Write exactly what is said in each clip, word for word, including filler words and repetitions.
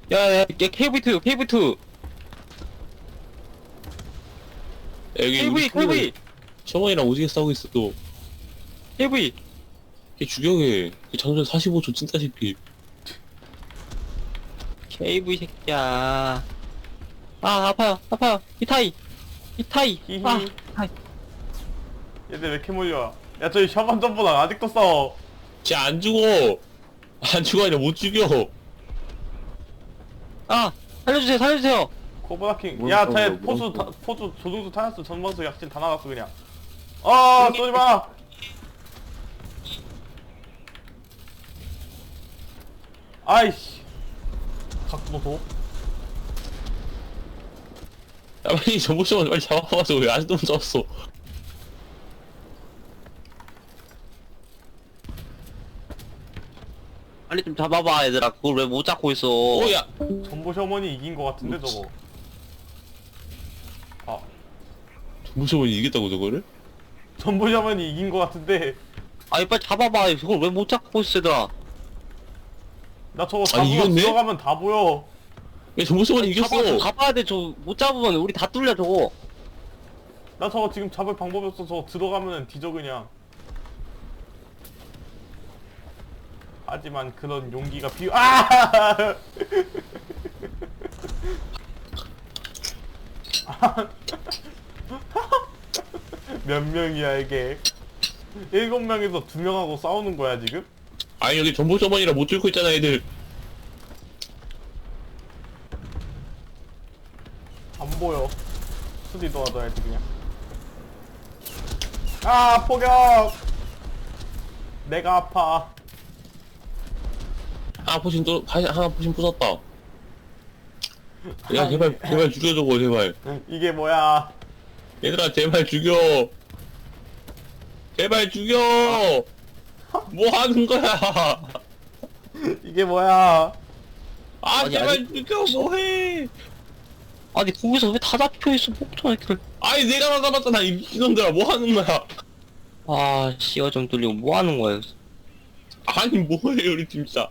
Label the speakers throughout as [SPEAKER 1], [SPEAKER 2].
[SPEAKER 1] 야야 야 케이브이 투 케이브이 투
[SPEAKER 2] 여기
[SPEAKER 1] 케이브이 케이브이
[SPEAKER 2] 셔먼이랑 오지게 싸우고 있어 또.
[SPEAKER 1] 케이브이
[SPEAKER 2] 걔 죽여게. 걔 장전 사십오 초 찐따시피.
[SPEAKER 1] 케이브이 새끼야. 아 아파요 아파요 히타이 히타이
[SPEAKER 3] 히히.
[SPEAKER 1] 아 히타이.
[SPEAKER 3] 얘들 왜 이렇게 몰려? 야 저기 샤먼 점보다 아직도 싸워.
[SPEAKER 2] 쟤 안 죽어. 안 죽어 아니라 못 죽여.
[SPEAKER 1] 아 살려주세요 살려주세요.
[SPEAKER 3] 코브라킹.
[SPEAKER 2] 뭘
[SPEAKER 3] 야,
[SPEAKER 2] 써,
[SPEAKER 3] 쟤
[SPEAKER 2] 뭘
[SPEAKER 3] 포수
[SPEAKER 2] 써.
[SPEAKER 3] 다, 포수 조종수 타였어. 전방수 약진 다 나갔어 그냥. 아 쏘지 마. 아이씨. 각도도.
[SPEAKER 2] 야 빨리 전보 셔먼 빨리 잡아봐서 왜 아직도 못 잡았어.
[SPEAKER 1] 빨리 좀 잡아봐 얘들아. 그걸 왜 못 잡고 있어.
[SPEAKER 2] 오야.
[SPEAKER 3] 전보 셔먼이 이긴 거 같은데 저거. 아,
[SPEAKER 2] 전보 셔먼이 이겼다고 저거를?
[SPEAKER 3] 전보 셔먼이 이긴 거 같은데.
[SPEAKER 1] 아니 빨리 잡아봐. 그걸 왜 못 잡고 있어 얘들아.
[SPEAKER 3] 나 저거
[SPEAKER 2] 아니,
[SPEAKER 3] 잡으면
[SPEAKER 2] 이겼네?
[SPEAKER 3] 들어가면 다 보여.
[SPEAKER 2] 야 전보 셔먼이
[SPEAKER 1] 잡아,
[SPEAKER 2] 이겼어.
[SPEAKER 1] 잡아야 돼. 저 못 잡으면 우리 다 뚫려 저거.
[SPEAKER 3] 나 저거 지금 잡을 방법이 없어. 저거 들어가면 뒤져 그냥. 하지만 그런 용기가 필요. 아! 몇 명이야 이게? 일곱 명에서 두 명하고 싸우는 거야 지금?
[SPEAKER 2] 아니 여기 전보 셔먼이라 못 뚫고 있잖아 애들.
[SPEAKER 3] 안 보여. 수디 도와줘야지 그냥. 아 포격! 내가 아파.
[SPEAKER 2] 하나 포신 또 하나 포신 부쉈다. 야 제발 제발 죽여 저거 제발.
[SPEAKER 3] 이게 뭐야?
[SPEAKER 2] 얘들아 제발 죽여. 제발 죽여. 뭐 하는 거야?
[SPEAKER 3] 이게 뭐야?
[SPEAKER 2] 아
[SPEAKER 1] 아니,
[SPEAKER 2] 제발
[SPEAKER 1] 아니.
[SPEAKER 2] 죽여 뭐해?
[SPEAKER 1] 아니 거기서 왜 다 잡혀있어 폭탄 애들.
[SPEAKER 2] 아니 내가 나 잡았잖아 이 미친놈들아 뭐 하는 거야?
[SPEAKER 1] 아 씨가 좀 뚫리고 뭐 하는 거야.
[SPEAKER 2] 아니 뭐해 우리 진짜.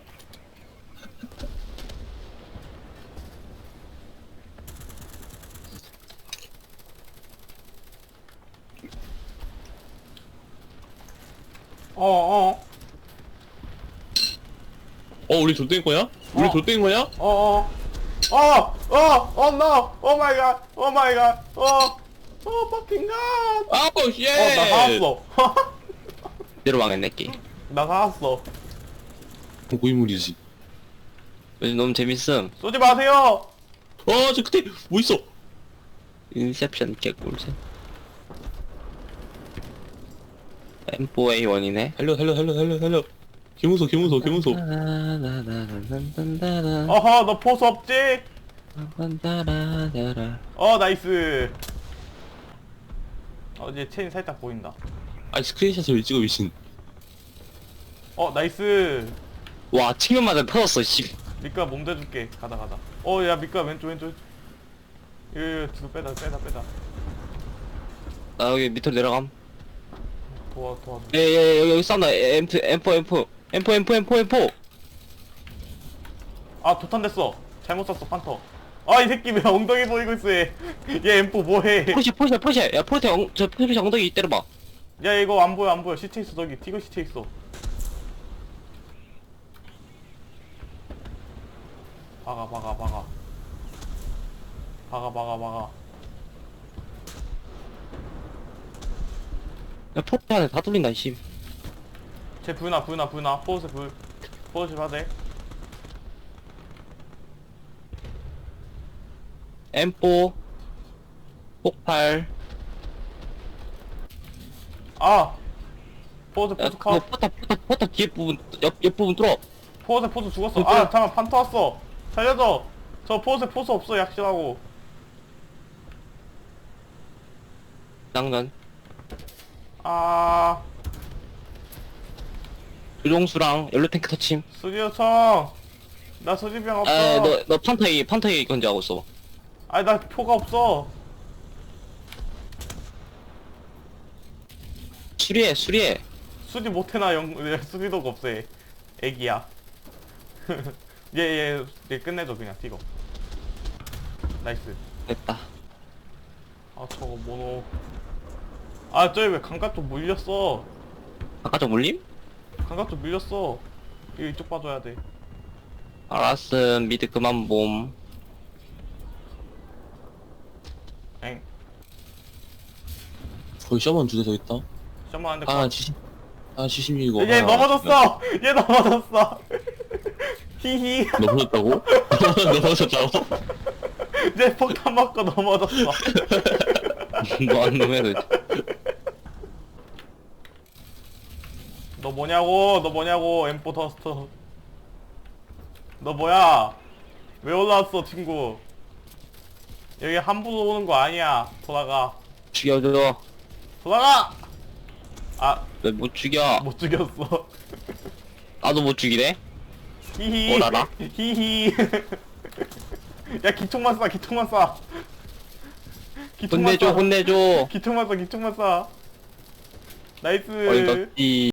[SPEAKER 3] 어어
[SPEAKER 2] 어 우리 좆된 거야? 우리
[SPEAKER 3] 어.
[SPEAKER 2] 좆된 거야?
[SPEAKER 3] 어어 어어어 어 노! 오 마이 갓! 오 마이 갓! 어! 어 퍼킹 갓!
[SPEAKER 2] 아우 쉣.
[SPEAKER 3] 어나 살았어.
[SPEAKER 1] 내로 망했네 게임.
[SPEAKER 3] 나 살았어.
[SPEAKER 2] 고인물이지.
[SPEAKER 1] 요즘 너무 재밌음.
[SPEAKER 3] 쏘지 마세요.
[SPEAKER 2] 어저 끝에 뭐 있어?
[SPEAKER 1] 인셉션 개꿀잼. 엠 오 에이 원이네.
[SPEAKER 2] 달려 달려 달려 달려 달려. 김우소 김우소 김우소.
[SPEAKER 3] 어허 너 포수 없지? 어 나이스. 어 이제 체인 살짝 보인다.
[SPEAKER 2] 아니 스크린샷을 왜 찍어 미친.
[SPEAKER 3] 어 나이스.
[SPEAKER 1] 와 측면마다 터졌어 씨.
[SPEAKER 3] 미끄야 몸 대줄게. 가다 가다. 어야 미끄야 왼쪽 왼쪽 왼쪽. 이거 뒤로 빼다 빼다 빼다.
[SPEAKER 1] 나 여기 밑으로 내려감.
[SPEAKER 3] 도와 도와줘.
[SPEAKER 1] 예예 여기 여기 싸운다. 엠 투 엠 포 엠 포 엠 포 엠 포 엠 포 엠 포.
[SPEAKER 3] 아 도탄 됐어. 잘못 쐈어 판터. 아 이 새끼 왜 엉덩이 보이고 있어 얘. 얘 엠포 뭐해?
[SPEAKER 1] 포시 포시 포시. 야 포르테 엉, 저 포시 엉덩이 때려봐.
[SPEAKER 3] 야 이거 안 보여 안 보여. 시체 있어 저기. 티거 시체 있어. 박아 박아 박아. 박아 박아 박아.
[SPEAKER 1] 야 포르테 안에 다 뚫린다 씨.
[SPEAKER 3] 쟤 불나 불나 불나. 포스 불. 포스 받아.
[SPEAKER 1] 엠 포 폭발.
[SPEAKER 3] 아. 포스
[SPEAKER 1] 야
[SPEAKER 3] 포스
[SPEAKER 1] 그거
[SPEAKER 3] 컷.
[SPEAKER 1] 포탑 포탑 포탑 뒤에 부분 옆, 옆 부분 뚫어.
[SPEAKER 3] 포스 포스 죽었어.
[SPEAKER 1] 이거-
[SPEAKER 3] 아 잠깐 판터 왔어. 살려줘. 저 포스 포스 없어 약실하고.
[SPEAKER 1] 낭난.
[SPEAKER 3] 아.
[SPEAKER 1] 조종수랑 연료 탱크 터침.
[SPEAKER 3] 수리요청. 나 수리병 없어.
[SPEAKER 1] 에너너 판타이 판타이 건지하고 있어.
[SPEAKER 3] 아니 나 표가 없어.
[SPEAKER 1] 수리해 수리해.
[SPEAKER 3] 수리 못해나 영 수리도가 없어 얘. 애기야. 얘얘얘 얘 끝내줘 그냥 튀고. 나이스.
[SPEAKER 1] 됐다.
[SPEAKER 3] 아 저거 모노. 아 저기 왜 강가 쪽 물렸어?
[SPEAKER 1] 아까 저 물림?
[SPEAKER 3] 강가 쪽 물렸어. 이거 이쪽 봐줘야 돼.
[SPEAKER 1] 알았음. 미드 그만 봄.
[SPEAKER 3] 엥.
[SPEAKER 2] 거기 셔먼 두 대 더 있다.
[SPEAKER 3] 잠깐만 안돼.
[SPEAKER 2] 아 칠십 아 칠십육이고
[SPEAKER 3] 얘 넘어졌어. 얘 넘어졌어. 히히.
[SPEAKER 2] 넘어졌다고? 넘어졌다고?
[SPEAKER 3] 얘 폭탄 맞고 넘어졌어.
[SPEAKER 1] 뭐한 놈이야 도대체.
[SPEAKER 3] 너 뭐냐고? 너 뭐냐고? 엠포 더스터. 너 뭐야? 왜 올라왔어 친구? 여기 함부로 오는 거 아니야. 돌아가.
[SPEAKER 1] 죽여줘.
[SPEAKER 3] 돌아가. 아,
[SPEAKER 1] 왜 못 죽여?
[SPEAKER 3] 못 죽였어.
[SPEAKER 1] 나도 못 죽이래?
[SPEAKER 3] 히히.
[SPEAKER 1] 뭘 알아?
[SPEAKER 3] 히히. 야 기총만 쏴. 기총만 쏴. 기총만
[SPEAKER 1] 혼내줘
[SPEAKER 3] 쏴.
[SPEAKER 1] 혼내줘.
[SPEAKER 3] 기총만 쏴. 기총만 쏴. 나이스.
[SPEAKER 1] 어이없지.